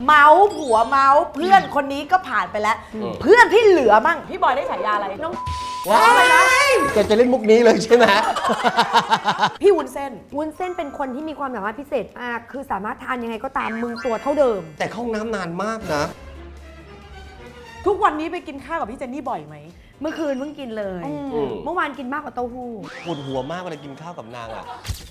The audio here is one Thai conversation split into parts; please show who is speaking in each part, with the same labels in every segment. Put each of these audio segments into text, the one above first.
Speaker 1: เมาส์ผัวเมาส์เพื่อนคนนี้ก็ผ่านไปแล้ว เพื่อนที่เหลือมั่งพี่บอยได้ฉายาอะไรน้อง
Speaker 2: ว้ายแกจะเล่นมุกนี้เลยใช่ไหม
Speaker 1: พี่วุ้นเส้น
Speaker 3: วุ้นเส้นเป็นคนที่มีความสามารถพิเศษมาก คือสามารถทานยังไงก็ตามมึงตัวเท่าเดิม
Speaker 2: แต่เข้าห้องน้ำนานมากนะ
Speaker 1: ทุกวันนี้ไปกินข้าวกับพี่เจนนี่บ่อยไหม
Speaker 3: เมื่อคืนเพิ่งกินเลย เมื่อวานกินมากกว่าเต้าหู้
Speaker 2: ปวดหัวมากเวลากินข้าวกับนางอ่ะ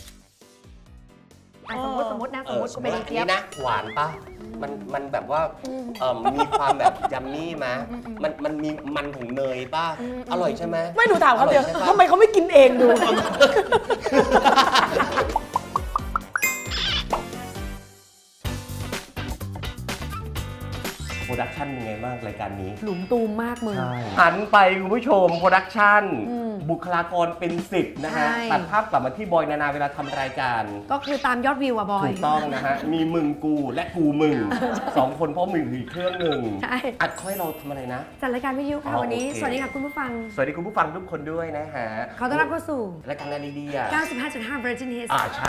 Speaker 3: สมมตินะสมมติกูเป็น
Speaker 2: อัน
Speaker 3: เจี๊ยบ
Speaker 2: นี้นะหวานปะมันแบบว่ามีความแบบยัมมี่มะมันมีมันของเนยป่ะอร่อยใช่ไหม
Speaker 1: ไม่หนูถามเขาเดียว
Speaker 2: อร่อใช่ปะ
Speaker 1: ทำไมเขาไม่กินเองดู
Speaker 2: โปรดักชั่นเป็นไงบ้างรายการนี้
Speaker 3: หลุมตูมมากมึง
Speaker 2: หันไปคุณผู้ชมโปรดักชั่นบุคลากรเป็น10นะฮะ
Speaker 3: ใช่
Speaker 2: ตัดภาพกลับมาที่บอยนานาเวลาทำรายการ
Speaker 3: ก็คือตามยอดวิวอะบอย
Speaker 2: ถูกต้องนะฮะ มีมึงกูและกูมึง 2 คนเพราะมึงอีกเครื่องหนึ่ง
Speaker 3: ใช่
Speaker 2: อัดค่อยเราทำอะไรนะ
Speaker 3: จัดรายการวิทยุค่ะ
Speaker 2: อ๋อ
Speaker 3: วันนี้
Speaker 2: โอเค
Speaker 3: สวัสดีค่ะคุณผู้ฟัง
Speaker 2: สวัสดีคุณผู้ฟังทุกคนด้วยนะฮะ
Speaker 3: ขอต้อนรับเข้าสู่
Speaker 2: รายการอะไรดีๆอ่ะ
Speaker 3: 95.5 Virgin Hits
Speaker 2: ใช่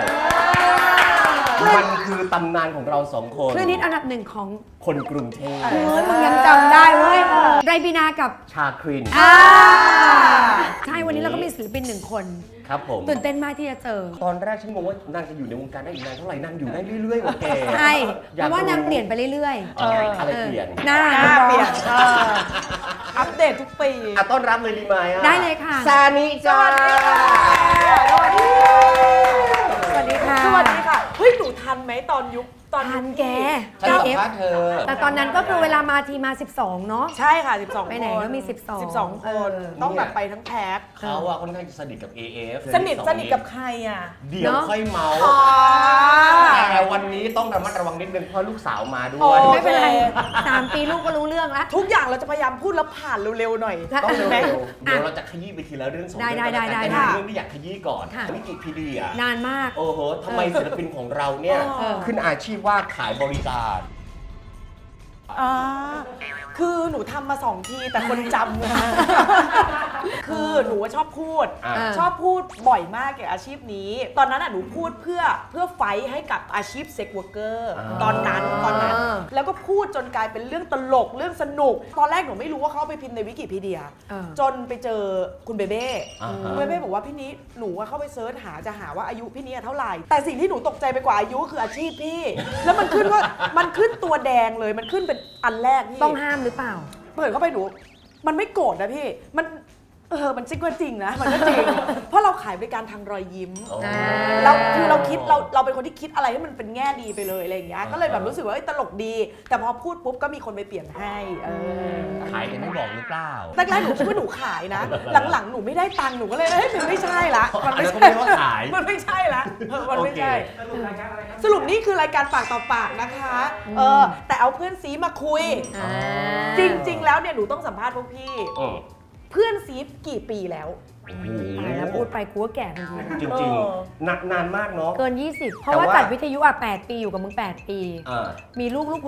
Speaker 2: มันคือตำนานของเรา 2 คน
Speaker 3: คลื่นฮิตอันดับหนึ่งของ
Speaker 2: คนกรุงเทพ
Speaker 3: เฮ้ยมึงยังจำได้เว้ยไรบีนากับ
Speaker 2: ชาคริน
Speaker 3: ใช่วันนี้เราก็มีศิลปินหนึ่งคน
Speaker 2: ครับผม
Speaker 3: ตื่นเต้นมากที่จะเจอ
Speaker 2: ตอนแรกฉันงงว่านางจะอยู่ในวงการได้อีกนานเท่าไหร่นางอยู่ได้เรื่อยๆกว่าแก
Speaker 3: ใช่เพราะว่านางเปลี่ยนไปเรื่อย
Speaker 2: อะไรเปลี่ยน
Speaker 3: หน้า
Speaker 1: หน้าเปลี่ยนอัปเดตทุกปี
Speaker 2: ต้อนรับเลยดีไหมอ่ะ
Speaker 3: ได้เลยค่ะ
Speaker 2: ซานิจ้า
Speaker 1: สวัสดีค่ะ
Speaker 3: สวัสดีค่ะ
Speaker 1: สวัสดีค่ะ เฮ้ย หนูทันไหมตอนยุคตอน
Speaker 3: ทันแก
Speaker 2: ฉันสัม
Speaker 3: 9F
Speaker 2: ภาษณ์เธอ
Speaker 3: แต่ตอนนั้นก็คือเวลามาทีมา 12 เนาะ
Speaker 1: ใช่ค่ะ 12
Speaker 3: ไปไหน
Speaker 1: คน
Speaker 3: ก็มี12
Speaker 1: 12 คน ต้องแบบไปทั้งแพ็ค
Speaker 2: เขาอะค่อนข้างจะสนิทกับ AF
Speaker 1: สนิทกับใครอ่ะ
Speaker 2: เดี๋ยวค่อยเมาส์
Speaker 1: อ๋อ
Speaker 2: แต่วันนี้ต้องระมัดระวังนิดนึงเพราะลูกสาวมาด้
Speaker 1: โอ้
Speaker 2: วย
Speaker 3: ไม่เป็นไร
Speaker 1: โอเค
Speaker 3: 3 ปีลูกก็รู้เรื่องแล้ว
Speaker 1: ทุกอย่างเราจะพยายามพูดแล้วผ่านเร็วๆหน่อย
Speaker 2: ต้องเร็ว
Speaker 1: ไหม
Speaker 2: ๆเดี๋ยวเราจะขยี้ไปทีละเรื่องสอง
Speaker 3: ได้
Speaker 2: เรื่อง
Speaker 3: ได้
Speaker 2: แต่
Speaker 3: ได้
Speaker 2: เป็นเรื่องที่อยากขยี้ก่อน
Speaker 3: ค่ะ
Speaker 2: วิกิพีเดีย
Speaker 3: นานมาก
Speaker 2: โอ้โหทำไมศิลปินของเราเนี่ย
Speaker 1: เออ
Speaker 2: ขึ้นอาชีพว่าขายบริการ
Speaker 1: อ่าคือหนูทำมา2 ทีแต่คนจำนะ คือหนูว่าชอบพูด
Speaker 2: อ่า
Speaker 1: ชอบพูดบ่อยมากเกี่ยวกับอาชีพนี้ ตอนนั้นอ่ะหนูพูดเพื่อไฟท์ให้กับอาชีพเซ็กเวอร์เกอร์ตอนนั้น แล้วก็พูดจนกลายเป็นเรื่องตลกเรื่องสนุก ตอนแรกหนูไม่รู้ว่าเขาเอาไปพิมพ์ในวิกิพีเดีย จนไปเจอคุณเบเบ้
Speaker 2: อ่าฮะ
Speaker 1: คุณเบเบ้บอกว่าพี่นี้หนูว่าเข้าไปเซิร์ชหาจะหาว่าอายุพี่นี้เท่าไหร่ แต่สิ่งที่หนูตกใจไปกว่าอายุคืออาชีพพี่ แล้วมันขึ้นว่ามันขึ้นตัวแดงเลยมันขึ้นเป็นอันแรกพี่
Speaker 3: ต้องห้ามหรือเปล่า
Speaker 1: เปิดเข้าไปหนู มันไม่โกรธนะพี่ มันมันจริงก็จริงนะ มันก็จริง เพราะเราขายบริการทางรอยยิ้ม เราคือเราคิดเราเป็นคนที่คิดอะไรให้มันเป็นแง่ดีไปเลยอะไรอย่างเงี้ย ก็เลยแบบรู้สึกว่าตลกดี แต่พอพูดปุ๊บก็มีคนไปเปลี่ยนให้
Speaker 2: ขายแต่ไม่บอกหรือเปล่า
Speaker 1: แรกๆหนูคิดว่าหนูขายนะ หลังๆหนูไม่ได้ตังค์หนูก็เลยมันไม่ใช่ละ
Speaker 2: อันนั้นก็ไม่เรียกว่าขาย
Speaker 1: มันไม่ใช่ละมันไม่ใช่
Speaker 2: โอเค
Speaker 1: สรุปนี่คือรายการปากต่อปากนะคะแต่เอาเพื่อนซีมาคุย จริง ๆ แล้วเนี่ยหนูต้องสัมภาษณ์พวกพี่ เพื่อนซีกี่ปีแล้ว
Speaker 3: ตายแล้วพูดไปกูก็แก่ทันที
Speaker 2: จริงๆนานมากเนาะ
Speaker 3: เกิน 20 เพราะว่า
Speaker 2: แต่ว่า
Speaker 3: จัดวิทยุอ่ะ 8 ปีอยู่กับมึง 8 ปี
Speaker 2: อ่า
Speaker 3: มีลูกกู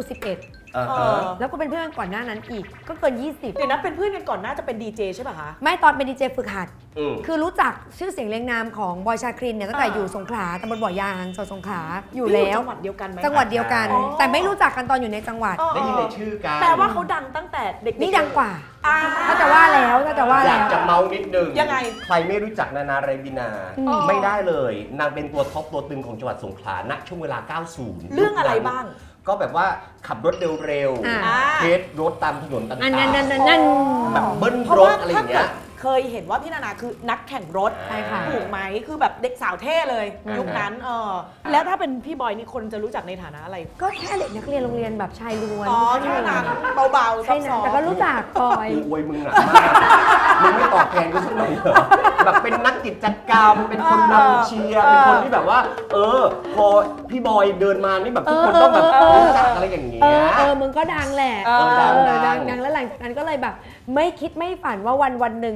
Speaker 3: 11 แล้วก็เป็นเพื่อนก่อนหน้านั้นอีก ก็เกิน 20
Speaker 1: เดี๋ยวนะเป็นเพื่อนกันก่อนน่าจะเป็นดีเจใช่ป่ะคะ
Speaker 3: ไม่ตอนเป็นดีเจฝึกหัด
Speaker 2: อืม
Speaker 3: คือรู้จักชื่อเสียงเรียงนามของบอยชาครินเนี่ยตั้งแต่อยู่สงขลาตำบลบ่อยางจังหวัดสงขลาอยู่แล้ว
Speaker 1: จังหวัดเดียวกันไหม
Speaker 3: จังหวัดเดียวกัน
Speaker 1: อ๋อ
Speaker 3: แต่ไม่รู้จักกันตอนอยู่ในจังหวัด
Speaker 2: ได้ยินในชื่อกัน
Speaker 1: แปลว่าเขาดังตั้งแต่เด็กๆ
Speaker 3: นี่ดังกว่า
Speaker 1: อ่า
Speaker 3: ถ้าจะว่าแล้วถ้าจะว่า
Speaker 2: อยา
Speaker 3: แล้
Speaker 2: ก
Speaker 3: ว
Speaker 2: จะเมานิดนึง
Speaker 1: ยังไง
Speaker 2: ใครไม่รู้จักนานาไรบินา ไม่ได้เลย นางเป็นตัวท็อปตัวตึงของจังหวัดสงขลาณช่วงเวลา 90
Speaker 1: เรื่องอะไรบ้าง
Speaker 2: ก็แบบว่าขับรถเร็ว
Speaker 3: อ่า
Speaker 2: ๆเทสรถตามถนนต่าง
Speaker 3: อันนั้น
Speaker 2: ๆแบบเบิ้ล
Speaker 1: เพราะ
Speaker 2: รถ
Speaker 1: ว่า
Speaker 2: อะไรอ
Speaker 1: ถ้า
Speaker 2: ย่าง
Speaker 1: เกิ
Speaker 2: เงี้
Speaker 1: ด
Speaker 2: ย
Speaker 1: เคยเห็นว่าพี่นานาคือนักแข่งรถ
Speaker 3: ใช่ค่ะ
Speaker 1: ถูกไหมคือแบบเด็กสาวเท่เลยยุคนั้นแล้วถ้าเป็นพี่บอยนี่คนจะรู้จักในฐานะอะไร
Speaker 3: ก็แค่เด็กนักเรียนโรงเรียนแบบชายล้วน
Speaker 1: อ๋อแค่นั้นเบาๆซ
Speaker 3: ใช่
Speaker 1: อ
Speaker 3: นะ
Speaker 1: ฟ
Speaker 3: แต่ก็รู้จักบอย
Speaker 2: กูอวยมึงหนักมากมึงไม่ตอบแทนกูสักหน่อยเหรอแบบเป็นนักกิจกรรม เป็นคนนำเชียร์ เป็นคนที่แบบว่า พอพี่บอยเดินมานี่แบบทุกคนต้องแบบรู้จักอะไรอย่างเงี้ย
Speaker 3: มึงก็ดังแหละ
Speaker 2: ดัง
Speaker 3: ดังแล้วหลังจากนั้นก็เลยแบบ ไม่คิดไม่ฝันว่าวันหนึ่งอ่ะ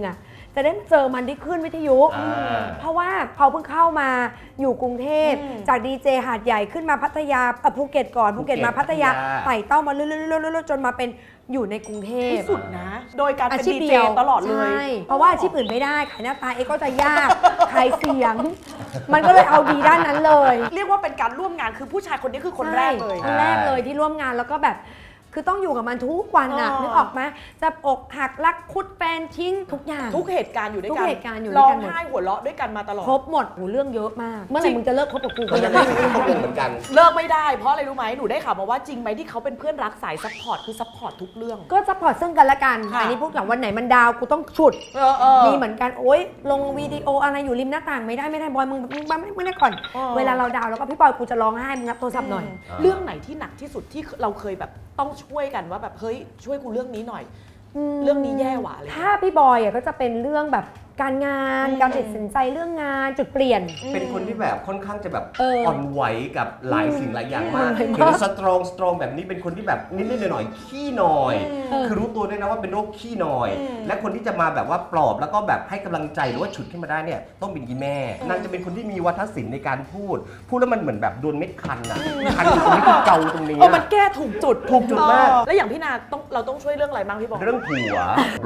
Speaker 3: จะได้เจอมันที่ขึ้นวิทยุ เพราะว่าเขาเพิ่งเข้ามาอยู่กรุงเทพจากดีเจหาดใหญ่ขึ้นมาพัทยาภูเก็ตก่อนภูเก็ตมาพัทยาไต่เต้ามาเรื่อยๆจนมาเป็นอยู่ในกรุงเทพ
Speaker 1: ที่สุดนะ โดยการ
Speaker 3: อา
Speaker 1: เป็น
Speaker 3: ชีพ
Speaker 1: ดี
Speaker 3: เดี
Speaker 1: เจ
Speaker 3: ยว
Speaker 1: ตลอดเลย
Speaker 3: ใช่เพราะว่าอาชีพอื่นไม่ได้ขายหน้าตาก็จะยากขายเสียง มันก็เลยเอาดีด้านนั้นเลย
Speaker 1: เรียกว่าเป็นการร่วมงานคือผู้ชายคนนี้คือคนแรกเลย
Speaker 3: ใช่คนแรกเลยที่ร่วมงานแล้วก็แบบคือต้องอยู่กับมันทุกวันน่ะนึกออกไหมจะอกหักรักคุดแฟนทิ้งทุกอย่าง
Speaker 1: ทุกเหตุการณ์อยู่ด้วยกัน
Speaker 3: ทุกเหตุการณ์อยู่ด้วยกันหมด
Speaker 1: ร้องไห้หัวเราะด้วยกันมาตลอด
Speaker 3: ครบหมดหูเรื่องเยอะมาก เมื่อไหร่มึงจะเลิกคบกับกู
Speaker 2: ก็
Speaker 3: ก็
Speaker 2: ยั
Speaker 3: ยัง ง
Speaker 2: ไม่
Speaker 3: ไม่
Speaker 2: รู้
Speaker 3: รู้
Speaker 2: เขาเป็นเหมือนกัน
Speaker 1: เลิกไม่ได้เพราะอะไรรู้ไหมหนูได้ข่าวมาว่าจริงไหมที่เขาเป็นเพื่อนรักสายซัพพอร์ตคือซัพพอร์ตทุกเรื่อง
Speaker 3: ก็ซัพพอร์ตซึ่งกันและกัน
Speaker 1: ค่ะ
Speaker 3: อันนี้พูดกับวันไหนมันดาวกูต้องฉุด มีเหมือนกันโอ๊ยลงวิดีโออะไรอยู่ริมหน้าต่างไม่ได้บอยมึงไม่ได้ก่อน เวลาเราดาวแล้วก็พี่บอยกูจะร้องไห้มึงรับโทรศัพท์หน่อย
Speaker 1: เรื่องไหนที่หนักที่สุดที่เราเคยแบบต้องช่วยกันว่าแบบเฮ้ยช่วยกูเรื่องนี้หน่อย เรื่องนี้แย่หว่ะอะไร
Speaker 3: ถ้าพี่บอยอ่ะก็จะเป็นเรื่องแบบการงานการตัดสินใจเรื่องงานจุดเปลี่ยน
Speaker 2: เป็นคนที่แบบค่อนข้างจะแบบ
Speaker 3: อ่
Speaker 2: อนไหวกับหลายสิ่งหลายอย่างมาก
Speaker 3: อืม
Speaker 2: เห็นสตรองแบบนี้เป็นคนที่แบบนิดๆหน่อยๆขี้หน่อย คือรู้ตัวด้วยนะว่าเป็นโรคขี้หน่อย และคนที่จะมาแบบว่าปลอบแล้วก็แบบให้กำลังใจหรือว่าฉุดขึ้นมาได้เนี่ยต้องเป็นอีแม่นางจะเป็นคนที่มีวัฒนศิลป์ในการพูดแล้วมันเหมือนแบบโดนเม็ดคันอะคันตรงนี้คือเกาตรงนี้
Speaker 1: มันแก้ถูกจุด
Speaker 2: ถูกจุดมาก
Speaker 1: แล้วอย่างพี่นาเราต้องช่วยเรื่องอะไรบ้างพี่บอก
Speaker 2: เรื่องผัว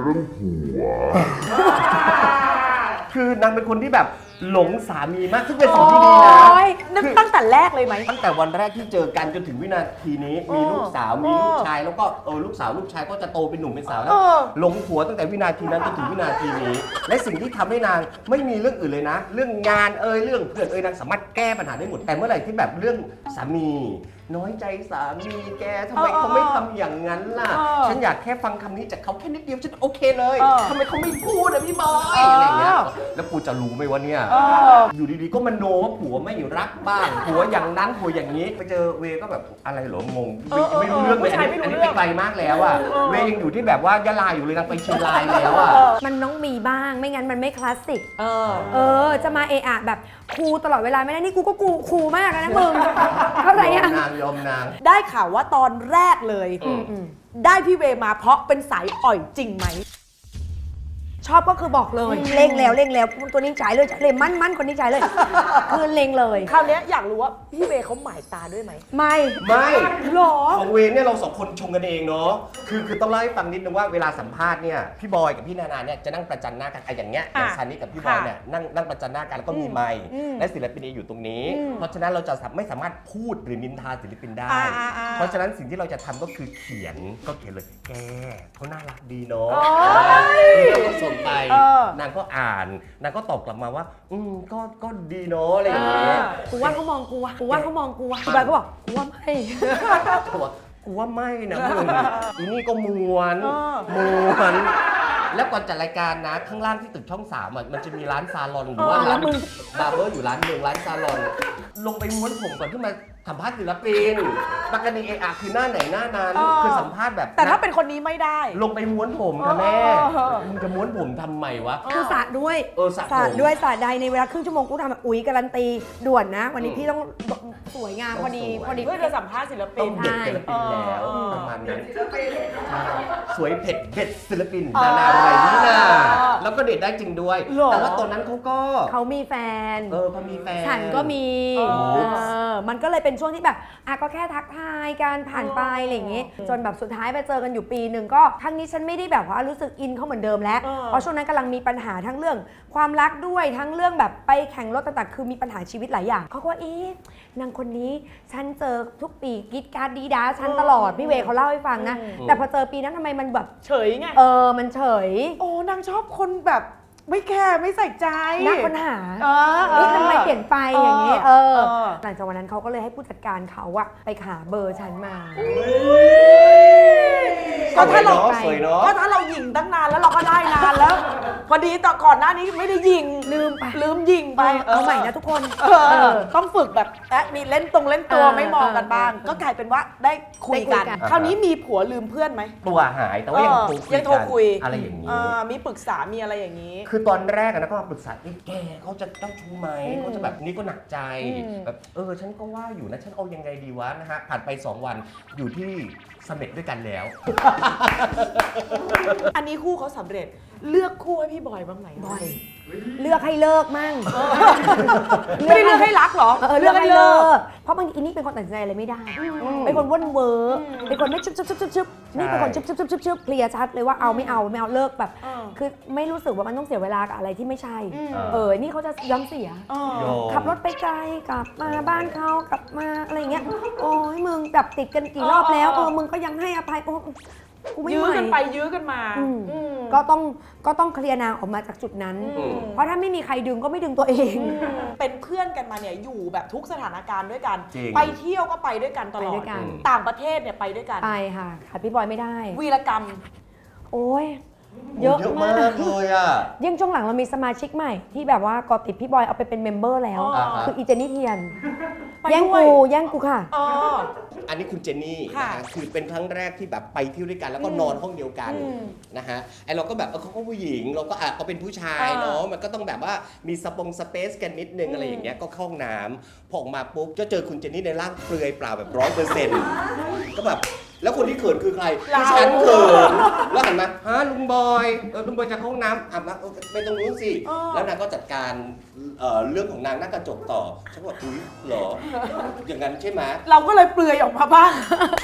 Speaker 2: คือนางเป็นคนที่แบบหลงสามีมากซึ่งเป็นสิ่งที่ดีนะ
Speaker 1: โอ๊ยนึกตั้งแต่แรกเลยไหม
Speaker 2: ตั้งแต่วันแรกที่เจอกันจนถึงวินาทีนี้มีลูกสาวมีลูกชายแล้วก็ลูกสาวลูกชายก็จะโตเป็นหนุ่มเป็นสาวแล้วหลงผัวตั้งแต่วินาทีนั้นจนถึงวินาทีนี้ และสิ่งที่ทำให้นางไม่มีเรื่องอื่นเลยนะ เรื่องงานเรื่องเพื่อนนางสามารถแก้ปัญหาได้หมดแต่เมื่อไหร่ที่แบบเรื่องสามี น้อยใจสามีแกทำไมเขาไม่ทำอย่างนั้นล่ะ ฉันอยากแค่ฟังคำนี้จากเขาแค่นิดเดียวฉันโอเคเลยทำไมเขาไม่พูดอะพี่บอยอะไรอย่างเงี้ยแล้วกูจะรู้ไหมว่าเนี่ยอยู่ดีๆก็มโนว่าผัวไม่รักบ้างผัวอย่างนั้นผัวอย่างนี้ไปเจอเวก็แบบอะไรเหรองงไม่รู้เรื่องเลยอันนี้ไปไกลมากแล้วอะเวยังอยู่ที่แบบว่ายะลาอยู่เลยนางไปเชียงรายแล้วอะ
Speaker 3: มันต้องมีบ้างไม่งั้นมันไม่คลาสสิกจะมาเอะอะแบบครูตลอดเวลาไม่ได้นี่กูก็ครูมากนะมึงเข้าใจยัง
Speaker 2: ยอมนาง
Speaker 1: ได้ข่าวว่าตอนแรกเลย ได้พี่เวมาเพราะเป็นสายอ่อยจริงไหม
Speaker 3: ชอบก็คือบอกเลยเล่งแล้วตัวนี้จ่ายเลยมั่นคนนี้จ่ายเลย คือเล่งเลย
Speaker 1: คราวเนี้ยอยากรู้ว่าพี่เวเขาหมายตาด้วยไหม
Speaker 3: ไม่
Speaker 1: หรอ
Speaker 2: ของเวรเนี่ยเราสองคนชงกันเองเนาะคือต้องเล่าให้ฟังนิดนึงว่าเวลาสัมภาษณ์เนี่ยพี่บอยกับพี่นานาเนี่ยจะนั่งประจันหน้ากันอย่างเงี้ยอย่างซานิกับพี่บอยเนี่ยนั่งประจันหน้ากันแล้วก็มีไมค์และศิลปินอยู่ตรงนี้ เพราะฉะนั้นเราจะไม่สามารถพูดหรือนินทาศิลปินได้ เพราะฉะนั้นสิ่งที่เราจะทำก็คือเขียนเลยแกเขาน่ารักดีเนาะก็ส่งไปนางก็อ่านนางก็ตอบกลับมาว่าก็ดีเนาะอะไรอย่างเงี้ย
Speaker 3: กูว่าเขามองกูว่ะพี่บอยก็บอกกูว่าไม่
Speaker 2: เขาบอกกูว่าไม่นะมึงอีนี่ก็ม้วน แล้วก่อนจัดรายการนะข้างล่างที่ตึกช่อง3มันจะมีร้านซาลอนหรือว่าร้านบาร์เบอร์อยู่ร้านหนึ่งร้านซาลอนลงไปม้วนผมก่อนที่มาสัมภาษณ์ศิลปินปกติคือหน้าไหนหน้านั้นคือสัมภาษณ์แบบ
Speaker 1: แต่ถ้าเป็นคนนี้ไม่ได้
Speaker 2: ลงไปม้วนผมค่ะแม่มึงจะม้วนผมทำไมวะ
Speaker 3: คือสระด้วย
Speaker 2: สระ
Speaker 3: สระด้วยสระใดในเวลาครึ่งชั่วโมงกูทำแบบอุ๊ยการันตีด่วนนะ วันนี้พี่ต้องสวยงามพอดี
Speaker 1: เพื่อจะสัมภาษณ์ศิลปิ
Speaker 2: ต้อน งเด็ดศิลปินแล้วประมาณนั้นสวยเผ็ดเด็ดศิลปินนานาไรนี่นาแล้วก็เด็ดได้จริงด้วยแต่ว่าตอนนั้นเขา
Speaker 3: มีแฟน
Speaker 2: เขามีแฟน
Speaker 3: ฉันก็มีมันก็เลยเป็นช่วงที่แบบก็แค่ทักทายการผ่านไปอะไรอย่างงี้จนแบบสุดท้ายไปเจอกันอยู่ปีหนึ่งก็ครั้งนี้ฉันไม่ได้แบบว่ารู้สึกอินเขาเหมือนเดิมแล้วเพราะช่วงนั้นกำลังมีปัญหาทั้งเรื่องความรักด้วยทั้งเรื่องแบบไปแข่งรถต่างๆคือมีปัญหาชีวิตหลายอย่างเขาก็นางคนนี้ฉันเจอทุกปีกิ๊ดการ์ดดีด้าฉันตลอดพี่เวเขาเล่าให้ฟังนะแต่พอเจอปีนั้นทำไมมันแบบ
Speaker 1: เฉยไง
Speaker 3: มันเฉย
Speaker 1: นางชอบคนแบบไม่แคร์ไม่ใส่ใจ
Speaker 3: น่าค้นหาทำไมเปลี่ยนไปอย่างนี้หลังจากวันนั้นเขาก็เลยให้ผู้จัดการเขาอะไปหาเบอร์ฉันมา
Speaker 1: ก็ถ้าเรายิงตั้งนานแล้วเราก็ได้นานแล้วพอดีต่อก่อนหน้านี้ไม่ได้ยิงลืมยิงไป
Speaker 3: เอาใหม่นะทุกคน
Speaker 1: ต้องฝึกแบบมีเล่นตัวไม่มองกันบ้างก็กลายเป็นว่าได้คุยกันคราวนี้มีผัวลืมเพื่อนไหม
Speaker 2: ตัวหายแต่ว่ายังโทรคุยอะไรอย่างนี้
Speaker 1: มีปรึกษามีอะไรอย่างนี้
Speaker 2: คือตอนแรกนะก็มาปรึกษาแกเขาจะเจ้าชู้ไหมเขาจะแบบนี้ก็หนักใจแบบฉันก็ว่าอยู่นะฉันเอายังไงดีวะนะฮะผ่านไป2 วันอยู่ที่เสม็ดด้วยกันแล้ว
Speaker 1: อันนี้คู่เขาสำเร็จเลือกคู่ให้พี่บอยบ้างไหม
Speaker 3: บ่อย เลือกให้เลิกมั่ง
Speaker 1: ไม่ได้เลือกให้รักเหรอ
Speaker 3: เลือกให้เลิก เพราะบางทีอีนี่เป็นคนตัดสินใจอะไรไม่ได้ เป็นคนว่นเวอร์เป็นคนไม่ชุบนี่เป็นคนชุบเคลียร์ชัดเลยว่าเอาไม่เอาเลิกแบบ คือไม่รู้สึกว่ามันต้องเสียเวลากับอะไรที่ไม่ใช่ นี่เขาจะย้อมเสีย ขับรถไปไกลกลับมาบ้านเขากลับมาอะไรอย่างเงี้ย โอ้ยมึงแบบติดกันกี่รอบแล้วมึงก็ยังให้อภัยโอ้กูไม่
Speaker 1: ยื้
Speaker 3: ไห
Speaker 1: อ
Speaker 3: ว
Speaker 1: กันไปยื้อกันมา
Speaker 3: ก็ต้องเคลียร์นางออกมาจากจุดนั้น เพราะถ้าไม่มีใครดึงก็ไม่ดึงตัวเอง
Speaker 1: เป็นเพื่อนกันมาเนี่ยอยู่แบบทุกสถานการณ์ด้วยกัน
Speaker 2: จริง
Speaker 1: ไปเที่ยวก็ไปด้วยกันตลอ
Speaker 3: ไปด้
Speaker 1: ด
Speaker 3: วยกัน
Speaker 1: ต่างประเทศเนี่ยไปด้วยกัน
Speaker 3: ไปค่ะขาดพี่บอยไม่ได้
Speaker 1: วีรกรรม
Speaker 3: โอ้ยเยอะมาก
Speaker 2: เลยอ่ะ
Speaker 3: ยิ่งช่วงหลังเรามีสมาชิกใหม่ที่แบบว่าก่อติดพี่บอยเอาไปเป็นเมมเบอร์แล้ว คืออีเจนนี่เทียน
Speaker 1: ไป
Speaker 3: แย่ง
Speaker 1: ด้วย
Speaker 3: กูค่ะ
Speaker 2: อันนี้คุณเจนนี่
Speaker 1: ค่ะ
Speaker 2: นะฮะคือเป็นครั้งแรกที่แบบไปเที่ยวด้วยกันแล้วก็นอนห้องเดียวกันนะฮะไอเราก็แบบเขาก็ผู้หญิงเราก็เขาเป็นผู้ชายเนาะมันก็ต้องแบบว่ามีสเปซกันนิดนึงอะไรอย่างเงี้ยก็เข้าห้องน้ำพอออกมาปุ๊บก็เจอคุณเจนนี่ในร่างเปลือยเปล่าแบบ100%ก็แบบแล้วคนที่เขินคือใครคือฉันเขินแล้วหันมาฮะลุงบอยลุงบอยจะเข้าห้องน้ำอาบน้ำไปตรงนู้นสิแล้วนางก็จัดการเรื่องของนางหน้ากระจกต่อฉันก็บอกอุ๊ยเหรออย่างนั้นใช่ไหม
Speaker 1: เราก็เลยเปลือยออกมาบ้าง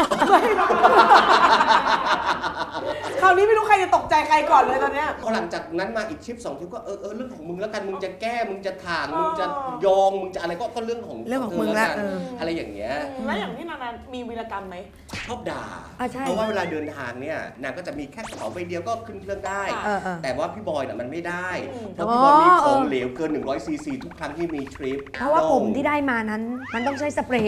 Speaker 1: คราวนี้ไม่รู้ใครจะตกใจใครก่อนเลยตอนเนี้ย
Speaker 2: พอหลังจากนั้นมาอีกทริป2ทริปก็เรื่องของมึงแล้วกันมึงจะแก้มึงจะถ่างมึงจะยองมึงจะอะไรก็เรื่องของ
Speaker 3: เรื่องของมึง
Speaker 2: เธ
Speaker 3: ละ
Speaker 2: กันอะไรอย่างเงี้ย
Speaker 1: แล้วอย่างที่นามีวีรกรรมไหม
Speaker 2: ชอบด่า
Speaker 3: ใช่
Speaker 2: เพราะว่าเวลาเดินทางเนี่ยนางก็จะมีแค่กระเป๋าใบเดียวก็ขึ้นเครื่องได้ แต่ว่าพี่บอยน่ะมันไม่ได้เพราะพี่บอยมีของเหลวเกิน100 ซีซีทุกครั้งที่มีทริป
Speaker 3: เพราะว่าผมที่ได้มานั้นมันต้องใช้สเปรย์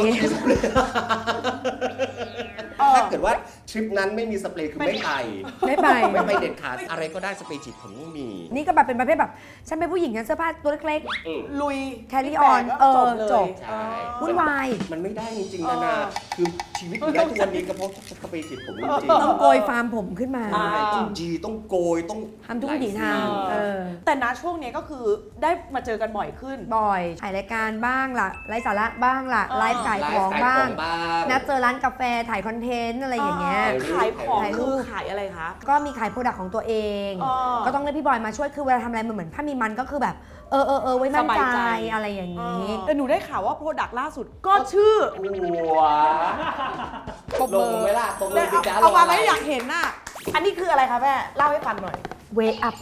Speaker 2: ถ้าเกิดว่าทริปนั้นไม่มีสเปรย์คือไม่ไป
Speaker 3: ไม่ไป
Speaker 2: ไม่ไปเด็ดขาดอะไรก็ได้สเปรย์ฉีดผมต้องมี
Speaker 3: นี่ก็แบบเป็นประเภทแบบฉันเป็นผู้หญิงฉันเสื้อผ้าตัวเล็ก
Speaker 1: ลุย
Speaker 3: Carry
Speaker 1: แบ
Speaker 3: on
Speaker 1: ก
Speaker 3: เออ
Speaker 1: เลย
Speaker 3: จบ
Speaker 2: ใช่
Speaker 3: ๆวุ่นวาย
Speaker 2: มันไม่ได้จริงๆนะคือชีวิตอยู่ได้ทุกวันนี้ก็เพราะสเปรย์ฉีดผมจริง
Speaker 3: ต้องโกยฟาร์มผมขึ้นมา
Speaker 2: ๆต้องจีต้องโกยต้อง
Speaker 3: ทำทุกวิถีทาง
Speaker 1: แต่ณช่วงเนี้ยก็คือได้มาเจอกันบ่อยขึ้น
Speaker 3: บ่อยถ่ายรายการบ้างล่ะไลฟ์สาระบ้างล่ะไลฟ์ขายของบ้าง นัดเจอร้านกาแฟถ่ายคอนเทนต์อะไรอย่างเงี้ย
Speaker 1: ขายของ
Speaker 3: ถ่ายรู
Speaker 1: คือ
Speaker 3: ป
Speaker 1: ขายอะไรคะ
Speaker 3: ก็มีขายโปรดักต์ของตัวเอง ก็ต้องเรียกพี่บอยมาช่วยคือเวลาทำอะไรมันเหมือนถ้ามีมันก็คือแบบไว้มั่นใจอะไรอย่างนี้
Speaker 1: แต่หนูได้ข่าวว่าโปรดักต์ล่าสุดก็ชื่อ
Speaker 2: หัวลงเวลาตรงเลยสิจ้า
Speaker 1: เอามาไหมอยากเห็นน่ะ อันนี้คืออะไรคะแม่เล่าให้ฟังหน่อย
Speaker 3: Way up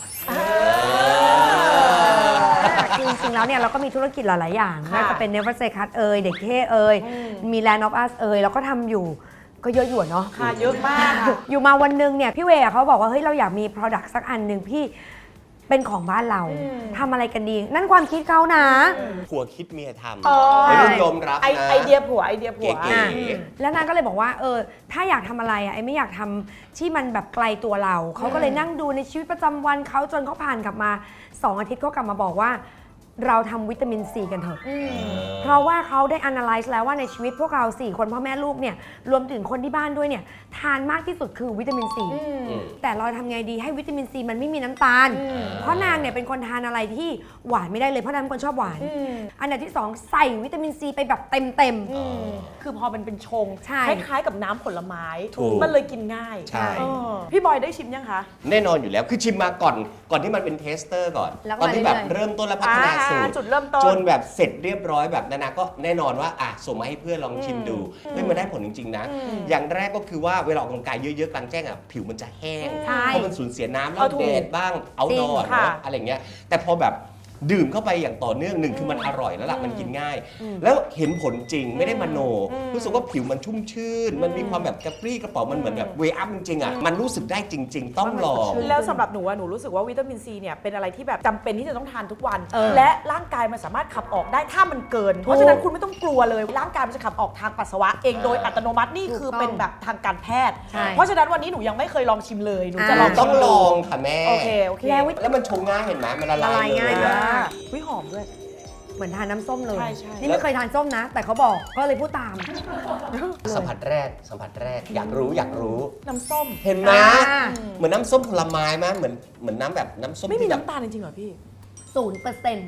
Speaker 3: จริงๆแล้วเนี่ยเราก็มีธุรกิจหลายๆอย่าง
Speaker 1: ค่ะ
Speaker 3: น่าจะเป็น Never Say Cut เด็กเท่มี Land of Us เราก็ทำอยู่ก็เยอะอยู่เนาะ
Speaker 1: ค่ะเยอะมากค่ะ
Speaker 3: อยู่มาวันหนึงเนี่ยพี่เวย์เขาบอกว่าเฮ้ยเราอยากมี Product สักอันหนึ่งพี่เป็นของบ้านเราทำอะไรกันดี นั่นความคิดเขานะ
Speaker 2: ผัวคิดเมียท
Speaker 1: เออ
Speaker 2: ำไม่ต้องยอมรับนะ
Speaker 1: ไอเดียผัวไอเดียผัว
Speaker 2: เก๋
Speaker 3: แล้วนางก็เลยบอกว่าถ้าอยากทำอะไรไอ้ไม่อยากทำที่มันแบบไกลตัวเรา เขาก็เลยนั่งดูในชีวิตประจำวันเขาจนเขาผ่านกลับมา2 อาทิตย์เขากลับมาบอกว่า เราทำวิตามินซีกันเถอะ เพราะว่าเขาได้ analyze แล้วว่าในชีวิตพวกเรา4 คนพ่อแม่ลูกเนี่ยรวมถึงคนที่บ้านด้วยเนี่ยทานมากที่สุดคือวิตามินซีแต่เราทำไงดีให้วิตามินซีมันไม่มีน้ำตาล เพราะนางเนี่ยเป็นคนทานอะไรที่หวานไม่ได้เลยเพราะนางเป็นคนชอบหวาน อันดับที่ 2 ใส่วิตามินซีไปแบบเต็ม
Speaker 1: คือพอมันเป็นชง
Speaker 3: ใช่
Speaker 1: คล้ายๆกับน้ำผลไม้
Speaker 2: ถูก
Speaker 1: มันเลยกินง่าย
Speaker 2: ใช่
Speaker 1: พี่บอยได้ชิมยังคะ
Speaker 2: แน่นอนอยู่แล้วคือชิมมาก่อนที่มันเป็นเทสเตอร์ก่อน
Speaker 3: แล้วก็
Speaker 2: ตอนที่แบบ
Speaker 3: เรื่อยๆ
Speaker 2: เริ่มต้นแล้วพัฒนาสูตร
Speaker 1: จุดเริ่มต้น
Speaker 2: จนแบบเสร็จเรียบร้อยแบบนานาก็แน่นอนว่าส่งมาให้เพื่อนลองชิมดูเฮ้ยมันได้ผลจริงๆนะ อย่างแรกก็คือว่าเวลาออกกำลังกายเยอะๆกลางแจ้งผิวมันจะแห้ง
Speaker 3: ใช่
Speaker 2: เพราะมันสูญเสียน้ำแล้ว
Speaker 1: เอาถูก
Speaker 2: แดดบ้างเอาดอ
Speaker 1: จริงค่ะ
Speaker 2: เนาะอะไรเงี้ยแต่พอแบบดื่มเข้าไปอย่างต่อเนื่องหนึ่งคือมันอร่อยแล้วล่ะมันกินง่าย แล้วเห็นผลจริงไม่ได้มโนรู้สึกว่าผิวมันชุ่มชื่น มันมีความแบบกระปรี้กระเป๋ามันเหมือนแบบเวอัพจริงๆอ่ะมันรู้สึกได้จริง ๆ ต้องลอง
Speaker 1: แล้วสำหรับหนูอะหนูรู้สึกว่าวิตามินซีเนี่ยเป็นอะไรที่แบบจำเป็นที่จะต้องทานทุกวัน
Speaker 3: เออ
Speaker 1: และร่างกายมันสามารถขับออกได้ถ้ามันเกิน เพราะฉะนั้นคุณไม่ต้องกลัวเลยร่างกายมันจะขับออกทางปัสสาวะเองโดยอัตโนมัตินี่คือเป็นแบบทางการแพทย์
Speaker 3: ใช่
Speaker 1: เพราะฉะนั้นวันนี้หนูยังไม่เคยลองชิมเลยหนูจะลอง
Speaker 2: ต้อง
Speaker 1: ชิม
Speaker 2: ล
Speaker 1: ดู
Speaker 2: องค่ะแม่
Speaker 1: โอเคโอเค
Speaker 2: แล้วมันชงง่ายเห็นไหมมันละลา
Speaker 3: ละลาย
Speaker 2: ย
Speaker 3: ง่าย
Speaker 2: เล
Speaker 3: มาก
Speaker 1: วิหอมด้วย
Speaker 3: เหมือนทานน้ำส้มเลย
Speaker 1: ใช่ใช่
Speaker 3: นี่ไม่เคยทานส้มนะ แต่เขาบอกก็เลยพูดตาม
Speaker 2: สัมผัสแรกอยากรู้
Speaker 1: น้ำส้ม
Speaker 2: เห็นไหม
Speaker 3: อ่า
Speaker 2: เหมือนน้ำส้มผลไม้ไหมเหมือนน้ำแบบน้ำส้ม
Speaker 1: ไม่มี
Speaker 2: ที่แบบ
Speaker 1: น้ำตาลจริงๆเหรอพี่
Speaker 3: 0%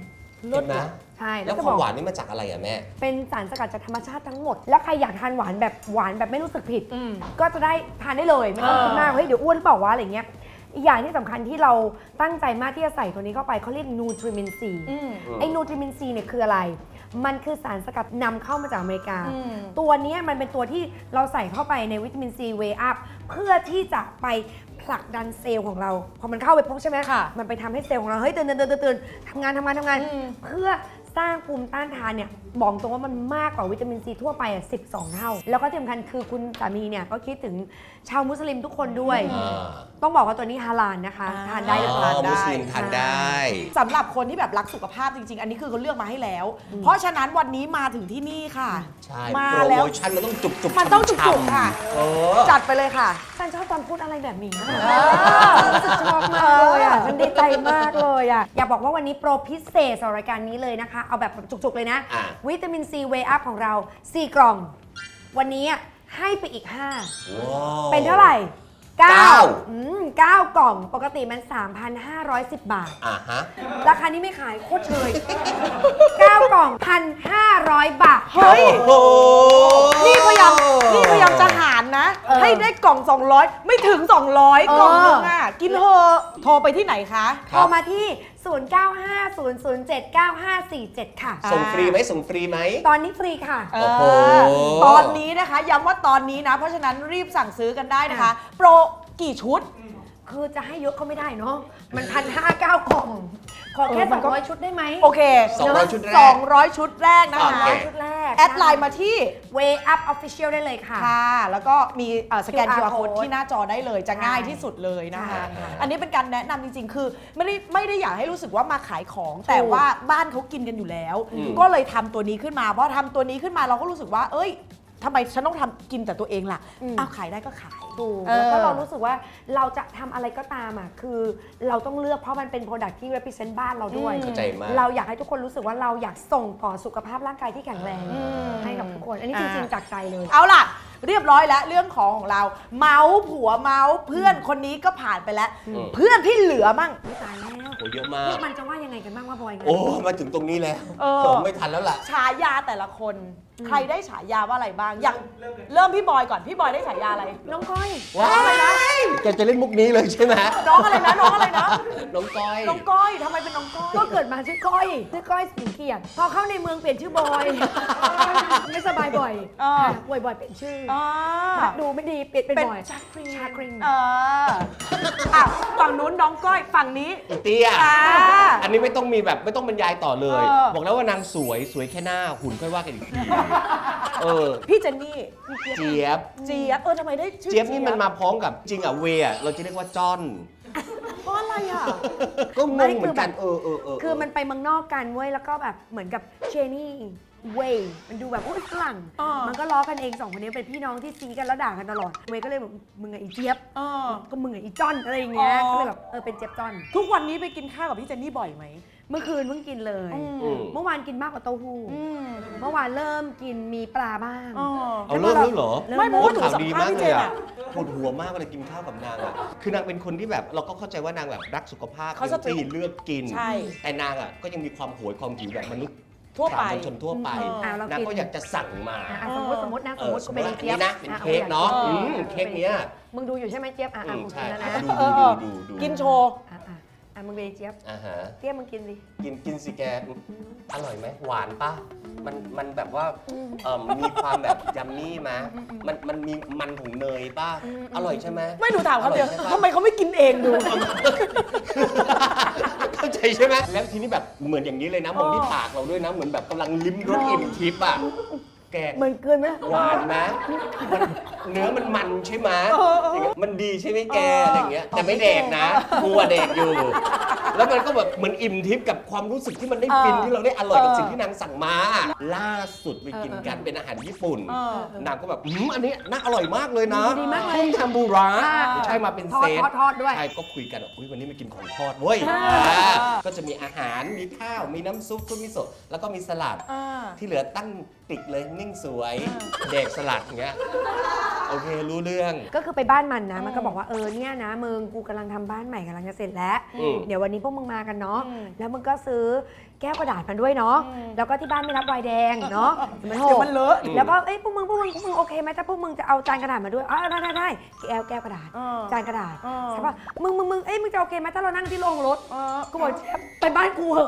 Speaker 2: เห็นไหม
Speaker 3: ใช่
Speaker 2: แล้ว
Speaker 3: จะ
Speaker 2: ค
Speaker 3: บ
Speaker 2: วาม
Speaker 3: อก
Speaker 2: หวานนี่มาจากอะไรอ่ะแม่
Speaker 3: เป็นสารสกัดจากธรรมชาติทั้งหมด แล้วใครอยากทานหวานแบบไม่รู้สึกผิด ก็จะได้ทานได้เลยไม่ต้องคิดมากเฮ้ยเดี๋ยวอ้วนหรือเปล่าวะอะไรเงี้ยอีกอย่างที่สำคัญที่เราตั้งใจมากที่จะใส่ตัวนี้เข้าไปเขาเรียกนูทริมินซีไอ้นูทริมินซีเนี่ยคืออะไร มันคือสารสกัดนำเข้ามาจากอเมริกา ตัวเนี้ยมันเป็นตัวที่เราใส่เข้าไปในวิตามินซีเวอัพเพื่อที่จะไปผลักดันเซลล์ของเราพอมันเข้าไปปุ๊บใช่ไหม
Speaker 1: ค่ะ
Speaker 3: มันไปทำให้เซลล์ของเราเฮ้ยตื่นทำงานเพื่อสร้างภูมิต้านทานเนี่ยบอกตรงว่ามันมากกว่าวิตามินซีทั่วไป12 เท่า แล้วก็ที่สำคัญคือคุณสามีเนี่ยก็คิดถึงชาวมุสลิมทุกคนด้วย ต้องบอกว่าตัวนี้ฮาลาลนะคะ ทานได้เลย
Speaker 2: อ๋อมุสลิมทานได้
Speaker 1: สำหรับคนที่แบบรักสุขภาพจริง ๆ อันนี้คือเขาเลือกมาให้แล้ว เพราะฉะนั้นวันนี้มาถึงที่นี่ค่ะ
Speaker 2: ใช่
Speaker 1: มา
Speaker 2: โปร
Speaker 1: แล้ว
Speaker 2: โมชั่นมันต้องจุกๆ
Speaker 1: มันต้องจุกๆค่ะ
Speaker 2: เออ
Speaker 1: จัดไปเลยค่ะ
Speaker 3: ฉันชอบตอนพูดอะไรแบบนี้รู้สึกชอบมากเลยอ่ะฉันดีใจมากเลยอ่ะอยากบอกว่าวันนี้โปรพิเศษสำหรับรายการนี้เลยนะคะ เอาแบบจุกๆเลยนะ
Speaker 2: อ่ะ
Speaker 3: วิตามินซีเวอัพของเรา 4 กล่อง วันนี้ให้ไปอีก 5
Speaker 2: ว้าว
Speaker 3: เป็นเท่าไหร่
Speaker 2: เก้า
Speaker 3: 9 กล่องปกติมัน 3,510 บาท
Speaker 2: อ่าฮะ
Speaker 3: ราคานี้ไม่ขายโคตรเชย 9 กล่อง 1,500 บาท
Speaker 1: เฮ้ย
Speaker 2: โอ้โห
Speaker 1: นี่พยายามจะหารนะ ให้ได้กล่อง 200 ไม่ถึง 200 กล่องนึงอ่ะ กินเถอะโทรไปที่ไหนคะ
Speaker 3: โทรมาที่ 0950079547 ค่ะ
Speaker 2: ส่งฟรีไหมส่งฟรีไหม
Speaker 3: ตอนนี้ฟรีค่ะ
Speaker 1: เอ
Speaker 2: โอ้โห
Speaker 1: ตอนนี้นะคะย้ำว่าตอนนี้นะ เพราะฉะนั้นรีบสั่งซื้อกันได้นะคะ โปรกี่ชุด
Speaker 3: คือจะให้เยอะเขาไม่ได้เนาะ มัน1,509 กล่อง ขอแค่
Speaker 1: มันก็
Speaker 3: 200 ชุดได้ไหม
Speaker 1: โอเค
Speaker 2: 200 ชุดแรก
Speaker 1: 200 ชุดแรกนะคะ
Speaker 2: โอเค
Speaker 3: ชุดแรก
Speaker 1: แอดไลน์มาที่
Speaker 3: Way Up Official ได้เลยค่ะ
Speaker 1: ค่ะ แล้วก็มีสแกน
Speaker 3: QR
Speaker 1: QR code
Speaker 3: code
Speaker 1: ที่หน้าจอได้เลยจะง่าย
Speaker 3: ใช่
Speaker 1: ที่สุดเลยนะคะ
Speaker 3: ใช่ค่ะ
Speaker 1: อันนี้เป็นการแนะนำจริงๆ คือไม่ได้อยากให้รู้สึกว่ามาขายของ แต่ว่าบ้านเขากินกันอยู่แล้ว ก็เลยทำตัวนี้ขึ้นมาเพราะทำตัวนี้ขึ้นมาเราก็รู้สึกว่า เอ้ยทำไมฉันต้องทำกินแต่ตัวเองล่ะอ้าวขายได้ก็ขาย
Speaker 3: ถูก
Speaker 1: เออ
Speaker 3: แล้วก็เรารู้สึกว่าเราจะทำอะไรก็ตามอ่ะคือเราต้องเลือกเพราะมันเป็น product ที่ represent บ้านเราด้วย
Speaker 2: เข้าใจมาก
Speaker 3: เราอยากให้ทุกคนรู้สึกว่าเราอยากส่งต่อสุขภาพร่างกายที่แข็งแรงให้กับทุกคน อันนี้จริงๆจากใจเลย
Speaker 1: เอาล่ะ เรียบร้อยแล้วเรื่องของเรา เมาส์ผัวเมาส์เพื่อนคนนี้ก็ผ่านไปแล้ว เพื่อนที่เหลือมั่ง
Speaker 3: ไม่ตายแล้ว
Speaker 2: โอ้เยอะมาก
Speaker 3: นี่มันจะว่ายังไงกันบ้างว่าบอยกัน
Speaker 2: โอ้ มาถึงตรงนี้แล้ว
Speaker 1: เออ
Speaker 2: ผมไม่ทันแล้วล่ะ
Speaker 1: ฉายาแต่ละคน ใครได้ฉายาว่าอะไรบ้าง อย่างเริ่มพี่บอยก่อน พี่บอยได้ฉายาอะไร
Speaker 3: น้องก้อย
Speaker 2: ว้ายแกจะเล่นมุกนี้เลยใช่ไหม
Speaker 1: น้องอะไรนะ น้องอะไรนะ
Speaker 2: น้องก้อย
Speaker 1: น้องก้อยทำไมเป็นน้องก้อย
Speaker 3: ก็เกิดมาชื่อก้อยสิงเกียรติพอเข้าในเมืองเปลี่ยนชื่อบอย ไม่สบายบ่อย
Speaker 1: อ่า
Speaker 3: ป่วยบ่อยเปลี่ยนชื่อ
Speaker 1: อ่า
Speaker 3: ดูไม่ดีเปลี่ยนเป็น
Speaker 1: เป็น
Speaker 3: บ่อย
Speaker 1: ชาครี
Speaker 3: ชาครีม
Speaker 1: อ่ะฝั่งนู้นน้องก้อย ฝั่งนี้
Speaker 2: อีเตี้ย
Speaker 1: อ่า
Speaker 2: อันนี้ไม่ต้องมีแบบไม่ต้องบรรยายต่อเลย
Speaker 1: เออ
Speaker 2: บอกแล้วว่านางสวยแค่หน้าหุ่นค่อยว่ากันอีกทีเออ
Speaker 1: พี่เจนนี่
Speaker 2: เจี๊ยบ
Speaker 1: เจี๊ยบทำไมได้ชื่อ
Speaker 2: เจี๊ยบนี่มันมาพร้อมกับจริงอ่ะเวอ่ะเราจะเรียกว่าจ้อน
Speaker 1: เพราะอะไรอ่ะ
Speaker 2: ก็งงเหมือนกันเออ
Speaker 3: คือมันไปเมืองนอกกันเว้ยแล้วก็แบบเหมือนกับเชนี่เวย์มันดูแบบอุ้ยฝรั่ง
Speaker 1: อ่ามั
Speaker 3: มันก็ล้อกันเองสองคนนี้เป็นพี่น้องที่ซีกันแล้วด่ากันตลอดเวย์ก็เลยแบบมึงไงอีเจี๊ยบ
Speaker 1: เออ
Speaker 3: ก็มึงไงอีจ้อนอะไรอย่างเงี้ย
Speaker 1: อ๋อ
Speaker 3: ก็เลยแบบเป็นเจี๊ยบจ้อน
Speaker 1: ทุกวันนี้ไปกินข้าวกับพี่เจนนี่บ่อยไหม
Speaker 3: เมื่อคืนเพิ่งกินเลย
Speaker 2: อืม
Speaker 3: เมื่อวานกินมากกว่าเต้าหู้
Speaker 1: อืม
Speaker 3: เมื่อวานเริ่มกินมีปลาบ้าง
Speaker 1: อ๋อ
Speaker 2: เอาเริ่มแล้วเหรอ
Speaker 1: ไม่เพราะว่าหนู
Speaker 2: ข่าว
Speaker 1: สัม
Speaker 2: ดี
Speaker 1: ภาษ
Speaker 2: มาก
Speaker 1: ณ์พี่
Speaker 2: เล
Speaker 1: เจ
Speaker 2: ย
Speaker 1: น
Speaker 2: อ่ะ
Speaker 1: อ่ะ
Speaker 2: ปวดหัวมากเวลากินข้าวกับนางอ่ะคือนางเป็นคนที่แบบเราก็เข้าใจว่านางแบบรักสุขภาพ
Speaker 1: เขาสตรีท
Speaker 2: ที่เลือกกิน
Speaker 1: ใช่
Speaker 2: แต่นางอ่ะก็ยังมีความโหยความหิวแบบมนุษย์
Speaker 1: ทั่วไป
Speaker 2: สามัญชนทั่วไป
Speaker 3: เรา
Speaker 2: นาง
Speaker 3: กิน
Speaker 2: ก็อยากจะสั่งมา
Speaker 3: สมมตินะสมมติ
Speaker 2: ส
Speaker 3: กู
Speaker 2: มม
Speaker 3: เป็น
Speaker 2: ติ
Speaker 3: อี
Speaker 2: อัน
Speaker 3: เจี๊ยบ
Speaker 2: นี้นะเป็นเค้กเนาะ
Speaker 1: เออ
Speaker 2: เค้กเนี้ย
Speaker 3: มึงดูอยู่ใช่ไหมเจี๊ยบกู
Speaker 2: ใช่
Speaker 3: กินแล้วนะ
Speaker 2: ดู
Speaker 1: กินโชว์
Speaker 3: มึงเป็นอีเจี๊ยบ
Speaker 2: อ่าฮะ
Speaker 3: เจี๊ยบมึงกินสิ
Speaker 2: กินสิแกอร่อยไหมหวานปะมันแบบว่ามีความแบบยัมมี่ไหมมันมีมันของเนยป่ะอร่อยใช่ไหม
Speaker 1: ไม่หนูถามเขาเดียว
Speaker 2: อร่อยใช่ปะ
Speaker 1: ทำไมเขาไม่กินเองดู
Speaker 2: เข้าใจใช่ไหมแล้วทีนี้แบบเหมือนอย่างนี้เลยนะมองที่ปากเราด้วยนะเหมือนแบบกำลังลิ้มรสอิ่มทิพย์อ่ะแก
Speaker 3: เหมือนเกินไหม
Speaker 2: หวานไหมเนื้อมันใช่ไหมอย่างเงี้ยมันดีใช่ไหมแกอะไรอย่างเงี้ยแต่ไม่แดกนะกลัวแดกอยู่ แล้วมันก็แบบเหมือนอิ่มทิพย์กับความรู้สึกที่มันได้ฟินที่เราได้อร่อยกับสิ่งที่นางสั่งมาล่าสุดไปกินกันเป็นอาหารญี่ปุ่น นางก็แบบอันนี้น่าอร่อยมากเลยนะ
Speaker 3: ดีมากเลย
Speaker 2: กุ้งทำบูระใช่มาเป็นเซต
Speaker 3: ทอดด้วย
Speaker 2: ใช่ก็คุยกันว่าอุ๊ยวันนี้มากินของทอดเว้ยก็จะมีอาหารมีข้าวมีน้ำซุปซุปมิโซะแล้วก็มีสลัดที่เหลือตั้งติดเลยนิ่งสวยเด็กสลัดอย่างเงี้ยโอเครู้เรื่อง
Speaker 3: ก็คือไปบ้านมันนะ มันก็บอกว่าเนี่ยนะมึงกูกำลังทำบ้านใหม่กำลังจะเสร็จแล้ว
Speaker 2: อืม
Speaker 3: เดี๋ยววันนี้พวกมึงมากันเนาะแล้วมึงก็ซื้อแก้วกระดาษมาด้วยเนาะแล้วก็ที่บ้านไม่รับไวน์แดงเนาะมันโห
Speaker 1: เดี๋ยวมันเลอะ
Speaker 3: แล้วก็พวกมึงโอเคไหมถ้าพวกมึงจะเอาจานกระดาษมาด้วยได้แก้วกระดาษจานกระดาษใช่ป่ะมึงจะโอเคไหมถ้าเรานั่งที่โรงรถกูบอกไปบ้านกูเหอะ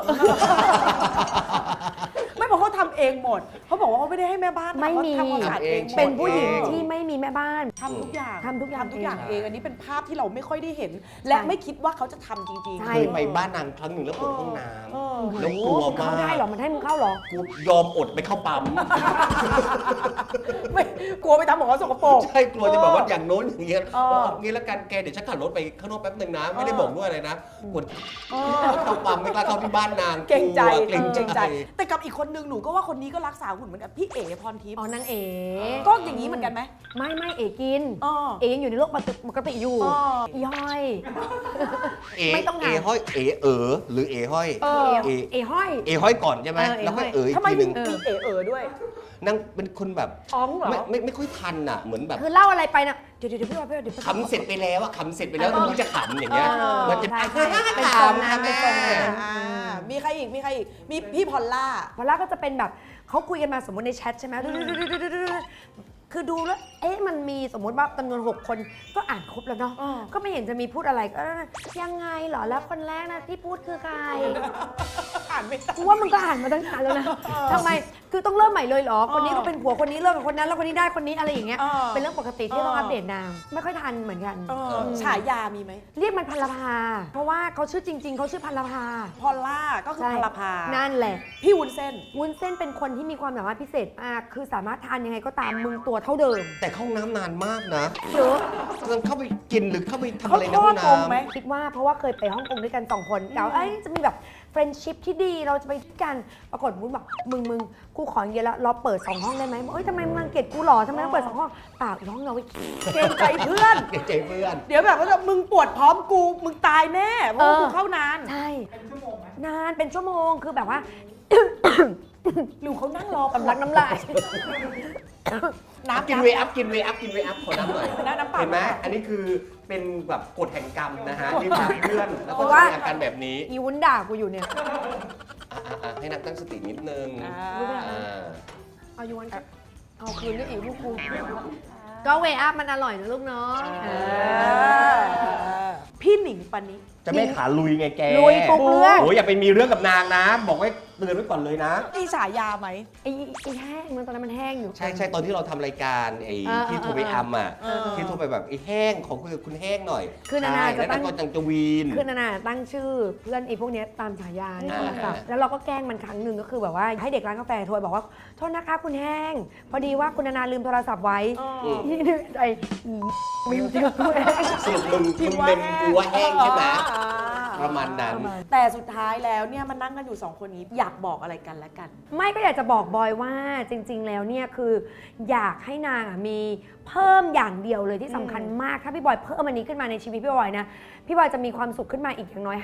Speaker 1: ไม่บอกเขาทำเองหมดเขาบอกว่าเขาไม่ได้ให้แม่บ้าน
Speaker 3: ไม่มี
Speaker 1: เขาทำความสะอาดเองหมด
Speaker 3: เป็นผู้หญิงที่ไม่มีแม่บ้าน
Speaker 1: ทำทุกอย่าง
Speaker 3: ทำทุกอย่าง
Speaker 1: เองอันนี้เป็นภาพที่เราไม่ค่อยได้เห็น และไม่คิดว่าเขาจะทำจริง
Speaker 3: ใช่
Speaker 2: เคยไปบ้านนางครั้งหนึ่งแล้วเปิดห้องน้ำแล้วกลัว
Speaker 3: เข้าม
Speaker 2: าก
Speaker 3: ได้เหรอมันให้มึงเข้าเหรอ
Speaker 2: กูยอมอดไปเข้าปั๊ม
Speaker 1: ๆไม่กลัวไปทำของเขาสกปรก
Speaker 2: ใช่กลัวจะแบบว่าอย่างโน้นอย่างเงี้ย
Speaker 1: เออ
Speaker 2: เอางี้แล้วกันแกเดี๋ยวฉันขับรถไปข้างนอกแป๊บหนึ่งนะ ไม่ได้บอกด้วยอะไรนะกดเข้าปั๊มไม่กล้าเข้าที่บ้านนาง
Speaker 1: เกรงใจ
Speaker 2: เกรงใจ
Speaker 1: แต่กับอีกคนนึงหนูก็ว่าคนนี้ก็รักษาหุ่นเหมือนกันพี่เอ๋พรทิพย์
Speaker 3: อ๋อนางเอ๋
Speaker 1: ก็อย่างนี้เหมือนกันไหม
Speaker 3: ไม่เอ๋กิน
Speaker 1: อ๋อ
Speaker 3: เอ๋ยังอยู่ในโลกปกติอยู่
Speaker 1: อ๋อ
Speaker 3: ย่อย
Speaker 2: เอ
Speaker 3: ไม่ต้อง
Speaker 2: เอ
Speaker 3: ถาม
Speaker 2: ห้อยเอหรือเอห้อย
Speaker 1: เออ
Speaker 2: เอ
Speaker 3: เอ๋ห้อย
Speaker 2: เอห้อยก่อนใช่ไหม
Speaker 3: เออเอ
Speaker 2: แล้วก็
Speaker 3: ห้อย
Speaker 2: เออีก
Speaker 1: ทำไม
Speaker 2: ทีห
Speaker 1: มี
Speaker 2: นึ่ง
Speaker 1: เอ๋ด้วย
Speaker 2: นางเป็นคนแบบ
Speaker 1: อ้องเหรอ
Speaker 2: ไม่ค่อยทันอ่ะเหมือนแบบ
Speaker 3: คือเล่าอะไรไปนะเดี๋ยวพี่ว่าเดี๋ยว
Speaker 2: ขำเสร็จไปแล้วอะขำเสร็จไปแล้วมึงจะขำอย่างเงี้ย มันจะ
Speaker 3: ใช่เป็น
Speaker 2: ข
Speaker 3: ทรง
Speaker 2: ำ
Speaker 3: นั้
Speaker 2: ค่ะ
Speaker 3: นเป็
Speaker 2: แม่
Speaker 3: นทรงนั้น
Speaker 1: มีใครอีกมีพี่พอลล่า
Speaker 3: พอล่าก็จะเป็นแบบเขาคุยกันมาสมมติในแชทใช่ไหมคือดูแล้วมันมีสมมติว่าจำนวน6 คนก็อ่านครบแล้วเนาะ
Speaker 1: อ่า
Speaker 3: ก็ไม่เห็นจะมีพูดอะไรก็ยังไงเหรอแล้วคนแรกนะที่พูดคือใคร
Speaker 1: อ่านไม่ทัน
Speaker 3: กูว่ามึงก็อ่านมาตั้งนานแล้วนะทำไมคือต้องเริ่มใหม่เลยเหรอคนนี้ก็เป็นผัวคนนี้เริ่มกับคนนั้นแล้วคนนี้ได้คนนี้อะไรอย่างเงี้ยเป็นเรื่องปกติที่ต้องอัปเดตนามไม่ค่อยทันเหมือนกัน
Speaker 1: ฉายามีไหม
Speaker 3: เรียกมันพันลภาเพราะว่าเขาชื่อจริง ๆเขาชื่อพันลภา
Speaker 1: พอลล่าก็คือพลภา
Speaker 3: นั่นแหละ
Speaker 1: พี่วุ้นเส้น
Speaker 3: วุ้นเส้นเป็นคนที่มีความสามารถพิเศษมากคือสามารถทานยังไงก็ตามมึงตัวเท่าเดิม
Speaker 2: แต่เข้าห้องน้ำนานมากนะ
Speaker 3: เยอะ
Speaker 2: ต้องเข้าไปกินหรือเข้าไปทำ
Speaker 1: เขา
Speaker 2: อะไรใน
Speaker 1: ท
Speaker 2: ห้
Speaker 1: อ
Speaker 2: อ
Speaker 1: ด
Speaker 2: ง
Speaker 1: ตรง
Speaker 2: น้ำ
Speaker 1: ไหม
Speaker 3: คิดว่าเพราะว่าเคยไปฮ่องกงด้วยกัน2 คนแล้วจะมีแบบเฟรนด์ชิพที่ดีเราจะไปด้วยกันปรากฏวุ้นบอกมึงกูขออย่างเดียวละเราเปิด2 ห้องได้ไหมบอกทำไมมึงรังเกียจกูหรอทำไมต้องเปิด2 ห้องเปล่าอีกห้องเราไว้
Speaker 1: เกรงใจเพื่อน
Speaker 2: เกรงใจเพื่อน
Speaker 1: เดี๋ยวแบบว่ามึงปวดพร้อมกูมึงตายแน่เพราะว่ากูเข้านาน
Speaker 3: ใช่นานเป็นชั่วโมงคือแบบว่า
Speaker 1: หรือเขานั่งรอ
Speaker 3: สำลักน้ำลาย
Speaker 1: น้ำ
Speaker 2: กินเวอัพขอน้ำหน่อย
Speaker 1: น้ำเปล่า
Speaker 2: เห็นไหมอันนี้คือเป็นแบบกฎแห่งกรรมนะฮะที่พาเพื่อนแล้ว
Speaker 3: เพ
Speaker 2: ก็
Speaker 3: ราะ
Speaker 2: จะ
Speaker 3: ว่า
Speaker 2: มีอาการแบบนี้
Speaker 3: อีวุ้นด่ากูอยู่เนี่ย
Speaker 2: ให้นักตั้งสตินิดนึง อ่า
Speaker 3: เอาอีวุ้นเอาคืนด้วยอีกลูกกูก็เวอัพมันอร่อยนะลูกเนาะ
Speaker 1: พี่หนิงปณิ
Speaker 2: จะไม่ขาลุยไงแก
Speaker 3: ลุยทุกเรื่อง
Speaker 2: โอ้ยอย่าไปมีเรื่องกับนางนะ บอกไว้เตือนไว้ก่อนเลยนะ
Speaker 1: มีฉายาไหม
Speaker 3: ไอ้แห้งมันตอนนั้นมันแห้งอยู่
Speaker 2: ใช่ตอนที่เราทำรายการไอ้
Speaker 3: อ่า
Speaker 2: ที่โทรไปอัมอ่ะ
Speaker 1: เออ
Speaker 2: ที่โทรไปแบบไอ้แห้งของคุยกับคุณแห้งหน่อย
Speaker 3: คือนานา
Speaker 2: ใช่
Speaker 3: จะ
Speaker 2: แล้ว
Speaker 3: ตั้
Speaker 2: นาง
Speaker 3: ง
Speaker 2: ก็จังจะวีน
Speaker 3: คือนานาตั้งชื่อเพื่อนไอ้พวกเนี้ยตามฉายาในโทรศัพท์
Speaker 2: อ่า
Speaker 3: แล้วเราก็แกล้งมันครั้งหนึ่งก็คือแบบว่าให้เด็กร้านกาแฟโทรบอกว่าโทษนะคะคุณแห้ง พอดีว่าคุณนานาลืมโทรศัพท์ไว้นี่นึกใจมีจริงกูแห้ง
Speaker 2: สรุปมึงเมมกูว่าแห้งใช่ไหมประมาณนั้น
Speaker 1: แต่สุดท้ายแล้วเนี่ยมันนั่งกันอยู่2 คนนี้อยากบอกอะไรกันและกัน
Speaker 3: ไม่ก็อยากจะบอกบอยว่าจริง ๆ แล้วเนี่ยคืออยากให้นางอ่ะมีเพิ่มอย่างเดียวเลยที่สำคัญมากถ้าพี่บอยเพิ่มอันนี้ขึ้นมาในชีวิตพี่บอยนะพี่บอยจะมีความสุขขึ้นมาอีกอย่างน้อย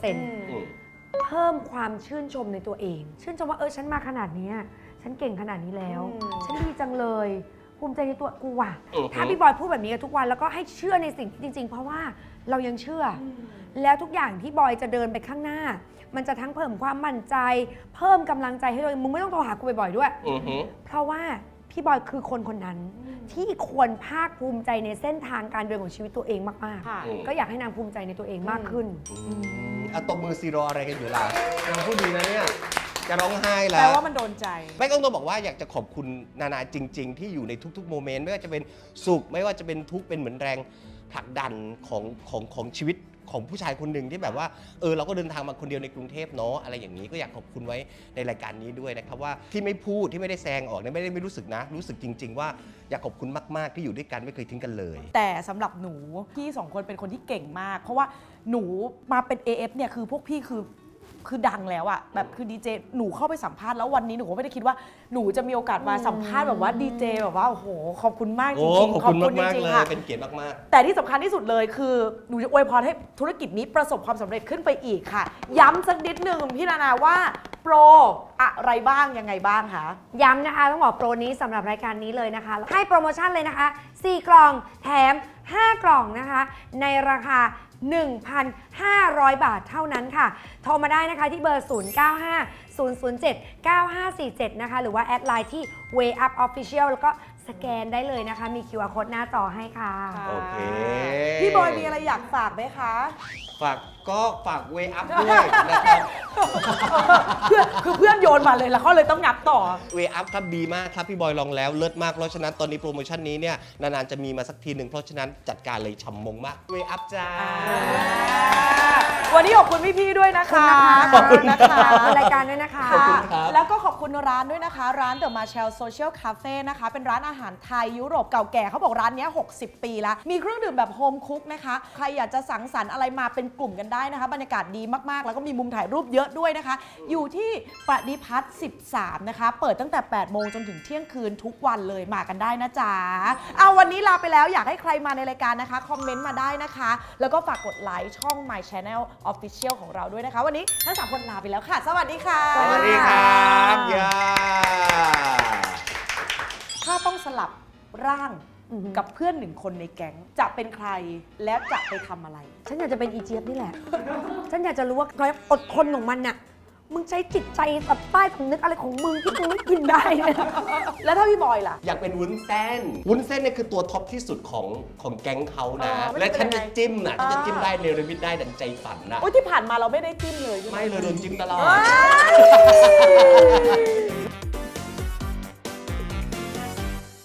Speaker 3: 50% เพิ่มความชื่นชมในตัวเอง ชื่นชมว่าฉันมาขนาดเนี้ยฉันเก่งขนาดนี้แล้ว ฉันดีจังเลยภูมิใจในตัวกูว่ะ ถ้าพี่บอยพูดแบบนี้กับทุกวันแล้วก็ให้เชื่อในสิ่งที่จริง ๆ เพราะว่าเรายังเชื่ออแล้วทุกอย่างที่บอยจะเดินไปข้างหน้า มันจะทั้งเพิ่มความมั่นใจ เพิ่มกำลังใจให้ตัวเองมึงไม่ต้องโทรหากูบ่อยๆด้วย เพราะว่าพี่บอยคือคนคนนั้น ที่ควรภาคภูมิใจในเส้นทางการเดินของชีวิตตัวเองมาก
Speaker 1: ค่ะ
Speaker 3: ๆ ก็อยากให้นางภูมิใจในตัวเองมากขึ้น
Speaker 2: เอาตบมือซีรออะไรกันอยู่ล่ะนางพูดดีนะเนี่ย จะร้องไห้
Speaker 1: แป
Speaker 2: แล้
Speaker 1: ล
Speaker 2: ว
Speaker 1: ว่ามันโดนใจ
Speaker 2: ไม่ต้องบอกว่าอยากจะขอบคุณนานาจริง ๆ ที่อยู่ในทุกๆโมเมนต์ไม่ว่าจะเป็นสุขไม่ว่าจะเป็นทุกข์เป็นเหมือนแรงผลักดันของชีวิตของผู้ชายคนหนึ่งที่แบบว่าเราก็เดินทางมาคนเดียวในกรุงเทพเนาะอะไรอย่างนี้ก็อยากขอบคุณไว้ในรายการนี้ด้วยนะครับว่าที่ไม่พูดที่ไม่ได้แซงออกเนี่ยไม่รู้สึกนะ รู้สึกจริง ๆ ว่าอยากขอบคุณมากๆที่อยู่ด้วยกันไม่เคยทิ้งกันเลย
Speaker 1: แต่สำหรับหนูพี่2 คนเป็นคนที่เก่งมาก เพราะว่าหนูมาเป็น AF เนี่ยคือพวกพี่คือดังแล้วอะแบบคือดีเจหนูเข้าไปสัมภาษณ์แล้ววันนี้หนูก็ไม่ได้คิดว่าหนูจะมีโอกาสมาสัมภาษณ์แบบว่าดีเจแบบว่าโอ้โหขอบคุณมากจริงๆ
Speaker 2: ขอบคุณมาก
Speaker 1: จ
Speaker 2: ๆ
Speaker 1: ริง
Speaker 2: เลย
Speaker 1: ๆค่ะ
Speaker 2: เป็นเกียรติมาก
Speaker 1: แต่ที่สำคัญที่สุดเลยคือหนูจะอวยพรให้ธุรกิจนี้ประสบความสำเร็จขึ้นไปอีกค่ะ ย้ำสักนิดหนึ่งพี่นานาว่าโปรอะไรบ้างยังไงบ้างคะ
Speaker 3: ย้ำนะคะต้องบอกโปรนี้สำหรับรายการนี้เลยนะคะ ให้โปรโมชั่นเลยนะคะ 4 กล่องแถม 5 กล่องนะคะ ในราคา 1,500 บาทเท่านั้นค่ะ โทรมาได้นะคะที่เบอร์ 0950079547 นะคะ หรือว่าแอดไลน์ที่ Way Up Official แล้วก็สแกนได้เลยนะคะ มี QR Code หน้าจอให้ค่ะ
Speaker 2: โอเค
Speaker 1: พี่บอยมีอะไรอยากฝากไหมคะ
Speaker 2: ฝากเวอัพด้วยนะครับ
Speaker 1: เพื่อนโยนมาเลยแล้วเขาเลยต้องงับต่อ
Speaker 2: เวอัพครับดีมากครับพี่บอยลองแล้วเลิศมากเพราะฉะนั้นตอนนี้โปรโมชั่นนี้เนี่ยนานๆจะมีมาสักทีหนึ่งเพราะฉะนั้นจัดการเลยฉ่ำมงมากเวอัพจ้า
Speaker 1: วันนี้ขอบคุณพี่ๆด้วยนะคะ
Speaker 3: ขอบคุณนะคะขอบคุณรายการด้วยนะคะ
Speaker 2: ขอบคุณครับ
Speaker 1: แล้วก็ขอบคุณร้านด้วยนะคะ ร้าน The Marshall Social Cafe นะคะ เป็นร้านอาหารไทยยุโรปเก่าแก่เขาบอกร้านนี้60 ปีแล้ว มีเครื่องดื่มแบบโฮมคุกนะคะ ใครอยากจะสังสรรค์อะไรมาเป็นกลุ่มกันได้นะคะ บรรยากาศดีมากๆ แล้วก็มีมุมถ่ายรูปเยอะด้วยนะคะ อยู่ที่ปฏิพัฒน์13 นะคะ เปิดตั้งแต่8โมงจนถึงเที่ยงคืนทุกวันเลยมากันได้นะจ๊ะเอาวันนี้ลาไปแล้วอยากให้ใครมาในรายการนะคะคอมเมนต์มาได้นะคะ แล้วก็ฝากกดไลค์ช่อง My Channel Official ของเราด้วยนะคะ วันนี้ทั้ง3คนลาไปแล้วค่ะ สวัสดีค่ะ
Speaker 2: สวัสดีครับย่า
Speaker 1: ถ้าต้องสลับร่างกับเพื่อนหนึ่งคนในแก๊งจะเป็นใครและจะไปทำอะไร
Speaker 3: ฉันอยากจะเป็นอีเจี๊ยบนี่แหละ ฉันอยากจะรู้ว่าความอดทนของมันน่ะ มึงใช้จิตใจแบบใต้สำนึกอะไรของมึงที่มึงไม่กินได้เนี่ย
Speaker 1: แล้วถ้าพี่บอยล่ะ
Speaker 2: อยากเป็นวุ้นเส้นวุ้นเส้นเนี่ยคือตัวท็อปที่สุดของแก๊งเขานะ
Speaker 1: มันจะ
Speaker 2: และฉัน
Speaker 1: เป็น
Speaker 2: จะ
Speaker 1: ยังไง
Speaker 2: จิ้มน่ะฉันจะจิ้มได้เนรมิตได้ดังใจฝันนะ
Speaker 1: โอ้ยที่ผ่านมาเราไม่ได้จิ้มเลยใช่ไหม
Speaker 2: ไม่เลยโดนจิ้มตลอด